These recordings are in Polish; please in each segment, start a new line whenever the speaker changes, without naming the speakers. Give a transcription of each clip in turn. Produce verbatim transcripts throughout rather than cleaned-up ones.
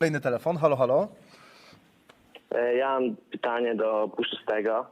Kolejny telefon, halo, halo.
E, Ja mam pytanie do Puszystego.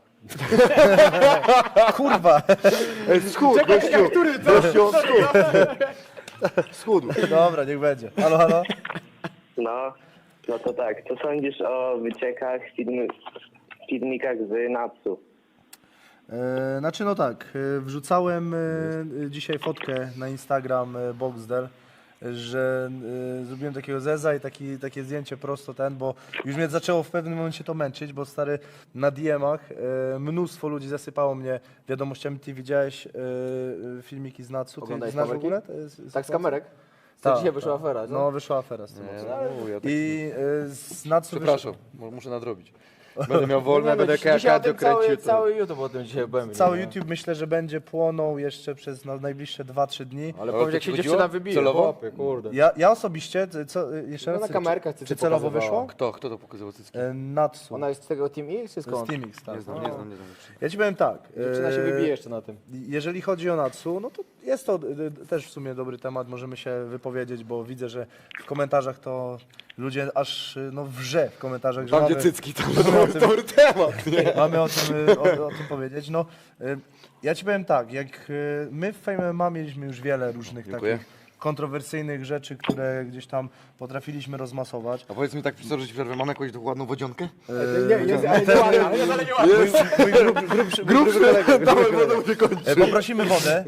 Kurwa.
Schód, gościu, który to? Gościu, schód. Schód.
Dobra, niech będzie. Halo, halo.
No, no to tak, co sądzisz o wyciekach, film, filmikach z Natsu?
E, znaczy no tak, e, wrzucałem e, dzisiaj fotkę na Instagram e, Boxdel, że e, zrobiłem takiego zeza i taki, takie zdjęcie prosto ten, bo już mnie zaczęło w pewnym momencie to męczyć, bo stary na D M-ach e, mnóstwo ludzi zasypało mnie wiadomościami. Ty widziałeś e, e, filmiki z Natsu? Ty
Oglądałeś
znasz w
kamerki?
ogóle? To jest
Tak, z
sytuacja?
kamerek? Co
Tak,
dzisiaj wyszła
tak.
afera, co?
No, wyszła afera z tym.
Nie, ja tak...
I e, z Natsu
Przepraszam, mu- muszę nadrobić. Będę miał wolne,
No,
będę
dziś- dzisiaj o tym
kardio kręcił.
cały,
to-
cały YouTube o tym dzisiaj byłem.
Cały
nie?
YouTube myślę, że będzie płonął jeszcze przez na najbliższe dwa trzy dni.
Ale
O
powiedz,
to
jak
ci
się
chodziło?
dziewczyna wybije,
Celowo?
chłopie, kurde.
Ja, ja osobiście, co, jeszcze
No
raz,
na
czy-
kamerkach
czy,
ty
czy
to
celowo
pokazywała.
wyszło?
Kto? Kto to pokazywał cycki?
E, Natsu.
Ona jest z tego Team X czy
z
skąd?
Teamix, tak.
Nie znam, nie znam, nie znam.
Ja ci powiem tak.
Dziewczyna się
e,
wybije jeszcze na tym.
Jeżeli chodzi o Natsu, no to jest to e, też w sumie dobry temat, możemy się wypowiedzieć, bo widzę, że w komentarzach to ludzie aż e, no wrze w komentarzach, że
Tam
mamy,
gdzie cycki, tam
mamy o tym,
dobry temat, nie?
mamy o tym, e, o, o tym powiedzieć. No, e, ja ci powiem tak, jak e, my w Fame M M A mieliśmy już wiele różnych
Dziękuję.
takich kontrowersyjnych rzeczy, które gdzieś tam potrafiliśmy rozmasować.
A powiedz mi tak, profesor, że ci przerwę, mam jakąś ładną wodzionkę?
Nie, nie, ale nie ładnie, ale nie, ale nie ładnie.
Mój grub, grubszy, grubszy kolega.
Dawaj, wodą się kończy.
E, Poprosimy wodę.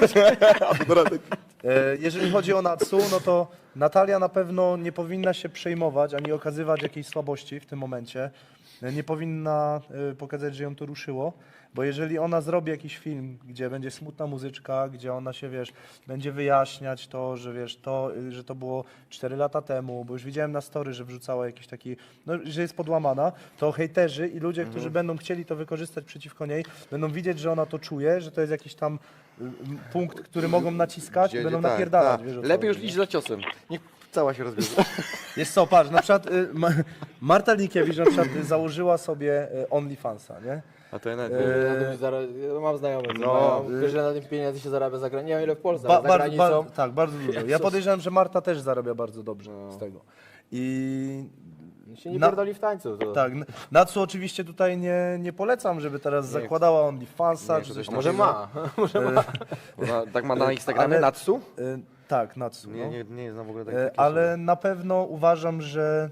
E, Jeżeli chodzi o Natsu, no to Natalia na pewno nie powinna się przejmować ani okazywać jakiejś słabości w tym momencie. E, Nie powinna e, pokazać, że ją to ruszyło, bo jeżeli ona zrobi jakiś film, gdzie będzie smutna muzyczka, gdzie ona się, wiesz, będzie wyjaśniać to, że wiesz, to, y, że to było cztery lata temu, bo już widziałem na story, że wrzucała jakiś taki, no, że jest podłamana, to hejterzy i ludzie, którzy będą chcieli to wykorzystać przeciwko niej, będą widzieć, że ona to czuje, że to jest jakiś tam y, y, punkt, który mogą naciskać i
Gdzie-
będą
tak,
napierdalać.
tak.
Wiesz, o co
Lepiej już
chodzi,
iść za ciosem. Niech cała się rozbierze.
jest co, patrz, na przykład y, Ma Marta Linkiewicz na przykład y, założyła sobie y, OnlyFansa, nie?
A to ja nawet...
Na tym zara- ja mam znajomych,
No,
no,
y-
wiesz, że na tym pieniędzy się zarabia za granicą. Nie wiem ile w Polsce,
Ba,
ale za
bar,
granicą.
bar, tak, bardzo dużo. Ja podejrzewam, że Marta też zarabia bardzo dobrze z tego. I
się nie
na-
pierdoli w tańcu. To.
tak, n- Natsu oczywiście tutaj nie, nie polecam, żeby teraz zakładała OnlyFansa
nie,
czy
to
coś
też
A może
takiego.
ma, może ma.
Ona, tak ma na Instagramie,
Ale-
Natsu?
Y, tak, Natsu.
Nie,
no.
nie, nie znam w ogóle
Y,
takiej osoby.
ale na pewno uważam, że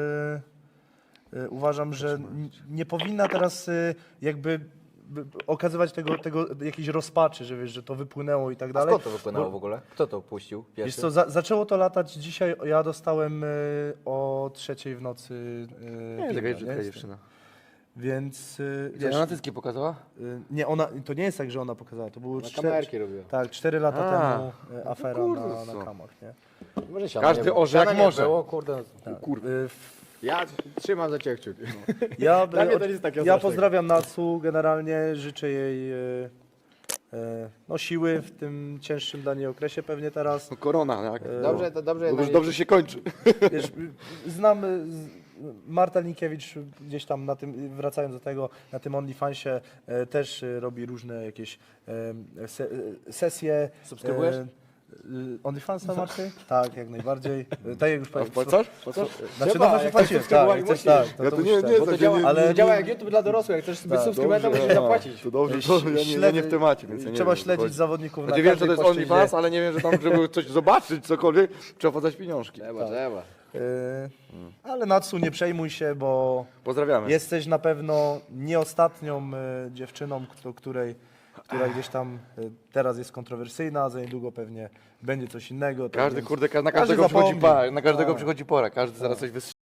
y, y, uważam, że n- nie powinna teraz y, jakby b- okazywać tego, tego jakiejś rozpaczy, że wiesz, że to wypłynęło i tak
A
dalej.
skąd to wypłynęło w ogóle? Kto to puścił
Wiesz
pierwszy?
co, za, zaczęło to latać dzisiaj, ja dostałem y, o trzeciej w nocy y,
Nie, taka
pinga,
dziewczyna.
nie?
dziewczyna.
Więc y,
Gdzie
wiesz,
ona cycki pokazała?
y, nie, ona, to nie jest tak, że ona pokazała, to było
Na
cztery,
kamerki robiła.
tak, cztery lata
A,
temu y, afera
kurde,
na,
co?
na kamach, nie?
Może siana
Każdy
nie było.
orze jak
Siana nie
może.
Było, kurde.
Tak.
Kurwa.
Y, w-
Ja trzymam za ciebie kciuki.
Ja,
Dla mnie to
o-
nic takiego
ja
strasznego.
pozdrawiam Natsu, generalnie życzę jej y, y, no, siły w tym cięższym dla niej okresie pewnie teraz.
No korona, tak?
Dobrze, to dobrze.
Bo
na
już
nie-
dobrze się kończy.
Wiesz, znam y, z- Marta Linkiewicz gdzieś tam na tym, wracając do tego, na tym OnlyFansie e, też e, robi różne jakieś e, se, e, sesje.
Subskrybujesz?
E, e, OnlyFansa Marty? Tak, jak najbardziej. E, Tak jak już
A
powiedziałem.
wpłacasz? Wpłacasz?
Znaczy
Trzeba,
no właśnie
jak
płaciłem,
chcesz
tak,
subskrybować,
jak chcesz,
musisz.
tak. To,
Ja
to
to nie-
musisz,
nie
tak.
Bo to
nie,
działa,
nie,
ale
nie,
działa
nie.
jak YouTube dla dorosłych. Jak chcesz być
Tak,
subskrybentem,
dobrze,
musisz
a,
zapłacić.
To dobrze,
Śle-
to ja nie, ja nie w temacie, więc ja nie
Trzeba
wiem, o co
śledzić
chodzi.
zawodników na
Znaczy wiem, że to
każdej
jest
płaszczyźnie.
OnlyFans, ale nie wiem, że tam, żeby coś zobaczyć, cokolwiek, trzeba podać pieniążki.
Trzeba, trzeba.
E, Ale Natsu, nie przejmuj się, bo
Pozdrawiamy.
jesteś na pewno nie ostatnią e, dziewczyną, kto, której, która gdzieś tam e, teraz jest kontrowersyjna, a za niedługo pewnie będzie coś innego. tak
Każdy,
więc
kurde, ka- na
każdy
każdego przychodzi
zapomni.
pora, na każdego
Tak.
przychodzi pora, każdy zaraz coś wystrzeli.